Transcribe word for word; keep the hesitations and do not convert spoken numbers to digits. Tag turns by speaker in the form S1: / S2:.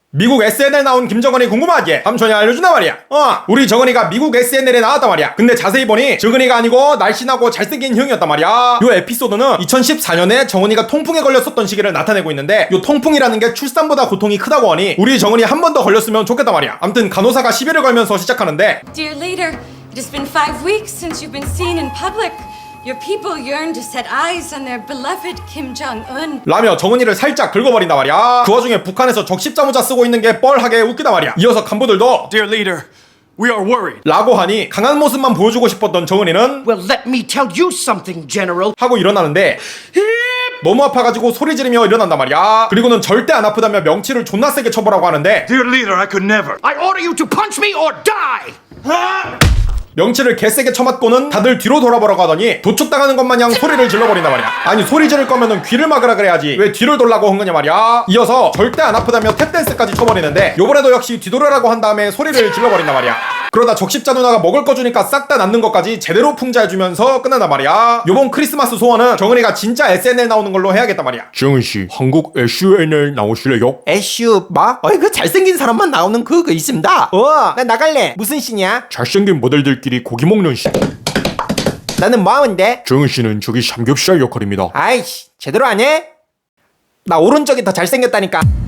S1: 미국 에스엔엘 나온 김정은이 궁금하지? 삼촌이 알려준단 말이야. 어, 우리 정은이가 미국 에스엔엘에 나왔단 말이야. 근데 자세히 보니 정은이가 아니고 날씬하고 잘생긴 형이었단 말이야. 요 에피소드는 이천십사 년에 정은이가 통풍에 걸렸었던 시기를 나타내고 있는데, 요 통풍이라는 게 출산보다 고통이 크다고 하니 우리 정은이 한 번 더 걸렸으면 좋겠단 말이야. 암튼 간호사가 시비를 걸면서 시작하는데,
S2: Dear leader, it has been five weeks since you've been seen in public. Your people yearn to set eyes on their beloved Kim Jong-un.
S1: 라며 정은이를 살짝 긁어버린단 말이야. 그 와중에 북한에서 적십자 모자 쓰고 있는 게 뻘하게 웃기단 말이야. 이어서 간부들도
S3: Dear leader, we are worried.
S1: 라고 하니 강한 모습만 보여주고 싶었던 정은이는
S4: Well, let me tell you something, General.
S1: 하고 일어나는데 너무 아파가지고 소리 지르며 일어난단 말이야. 그리고는 절대 안 아프다며 명치를 존나 세게 쳐보라고 하는데,
S3: Dear leader, I could never.
S4: I order you to punch me or die!
S1: 명치를 개세게 쳐맞고는 다들 뒤로 돌아보라고 하더니 도축당하는 것 마냥 소리를 질러버린단 말이야. 아니, 소리 지를 거면은 귀를 막으라 그래야지 왜 뒤를 돌라고 한 거냐 말이야. 이어서 절대 안 아프다며 탭댄스까지 쳐버리는데, 요번에도 역시 뒤돌아라고 한 다음에 소리를 질러버린단 말이야. 그러다 적십자 누나가 먹을 거 주니까 싹 다 낳는 것까지 제대로 풍자해주면서 끝난단 말이야. 요번 크리스마스 소원은 정은이가 진짜 에스엔엘 나오는 걸로 해야겠단 말이야.
S5: 정은씨, 한국 에스엔엘 나오실래요?
S6: 애슈 뭐? 어이 그 잘생긴 사람만 나오는 그거 있습니다. 어, 나 나갈래. 무슨 씨냐?
S5: 잘생긴 모델들끼리 고기 먹는 씨.
S6: 나는 뭐 하는데?
S5: 정은씨는 저기 삼겹살 역할입니다.
S6: 아이씨, 제대로 안 해? 나 오른쪽이 더 잘생겼다니까.